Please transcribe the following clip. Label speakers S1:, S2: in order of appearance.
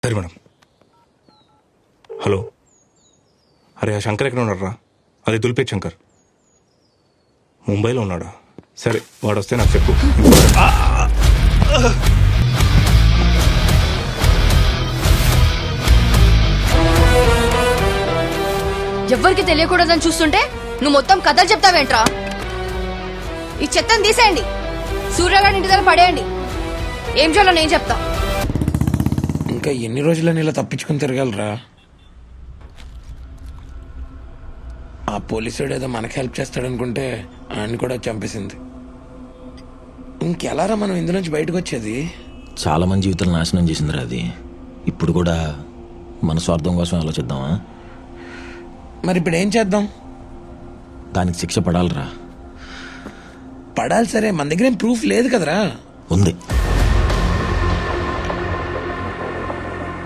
S1: సరే madam. Hello, అరే ఆ శంకర్ ఎక్కడ ఉన్నారా? అది దుల్పేట్ శంకర్. ముంబైలో ఉన్నాడా? సరే వాడు వస్తే నాకు చెప్పు.
S2: ఎవ్వరికి తెలియకూడదని చూస్తుంటే నువ్వు మొత్తం కథలు చెప్తావేంట్రా? ఈ చెత్తను తీసేయండి, సూర్యగాడి ఇంటి దగ్గర పడేయండి. ఏం చేయాలో నేను చెప్తా.
S3: ఇంకా ఎన్ని రోజులని ఇలా తప్పించుకుని తిరగలరా? ఆ పోలీసుడు ఏదో మనకి హెల్ప్ చేస్తాడనుకుంటే ఆయన కూడా చంపేసింది. ఇంకెలారా మనం ఇందులోంచి బయటకు వచ్చేది?
S4: చాలా మంది జీవితాలు నాశనం చేసిందిరా అది. ఇప్పుడు కూడా మన స్వార్థం కోసం ఆలోచిద్దామా?
S3: మరి ఇప్పుడు ఏం చేద్దాం?
S4: దానికి శిక్ష పడాలిరా.
S3: పడాలి, సరే మన దగ్గర ఏం ప్రూఫ్ లేదు కదరా.
S4: ఉంది.